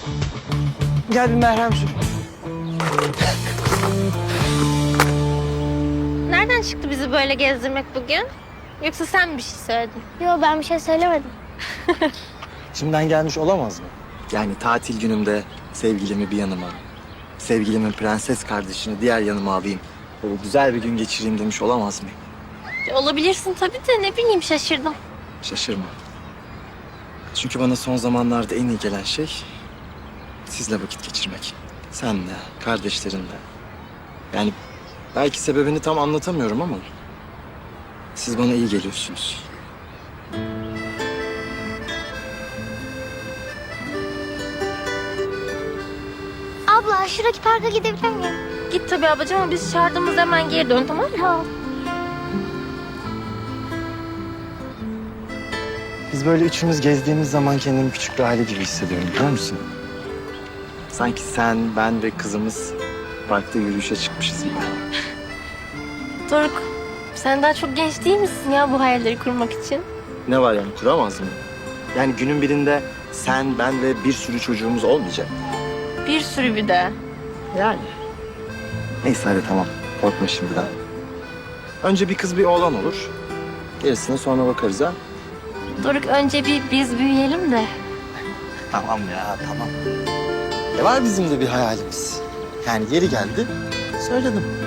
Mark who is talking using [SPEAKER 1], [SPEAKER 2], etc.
[SPEAKER 1] Gel bir merhem sür.
[SPEAKER 2] Nereden çıktı bizi böyle gezdirmek bugün? Yoksa sen mi bir şey söyledin?
[SPEAKER 3] Yo, ben bir şey söylemedim.
[SPEAKER 4] İçimden gelmiş olamaz mı? Yani tatil günümde sevgilimi bir yanıma, sevgilimin prenses kardeşini diğer yanıma alayım. Böyle güzel bir gün geçireyim demiş olamaz mı?
[SPEAKER 2] Olabilirsin tabii de ne bileyim şaşırdım.
[SPEAKER 4] Şaşırma. Çünkü bana son zamanlarda en iyi gelen şey sizle vakit geçirmek. Senle, kardeşlerinle. Yani belki sebebini tam anlatamıyorum ama siz bana iyi geliyorsunuz.
[SPEAKER 3] Abla, şuradaki parka gidebilir miyim?
[SPEAKER 2] Git tabii ablacığım ama biz çağırdığımızda hemen geri dön, tamam mı?
[SPEAKER 3] Tamam.
[SPEAKER 4] Biz böyle üçümüz gezdiğimiz zaman kendimi küçük bir aile gibi hissediyorum, biliyor musun? Sanki sen, ben ve kızımız parkta yürüyüşe çıkmışız gibi.
[SPEAKER 2] Doruk, sen daha çok genç değil misin ya bu hayalleri kurmak için?
[SPEAKER 4] Ne var yani, kuramaz mı? Yani günün birinde sen, ben ve bir sürü çocuğumuz olmayacak.
[SPEAKER 2] Bir sürü bir de.
[SPEAKER 4] Yani. Neyse hadi tamam, korkma şimdiden. Önce bir kız bir oğlan olur. Gerisine sonra bakarız ha.
[SPEAKER 2] Doruk, önce bir biz büyüyelim de.
[SPEAKER 4] Tamam ya, tamam. Var bizim de bir hayalimiz. Yani yeri geldi, söyledim.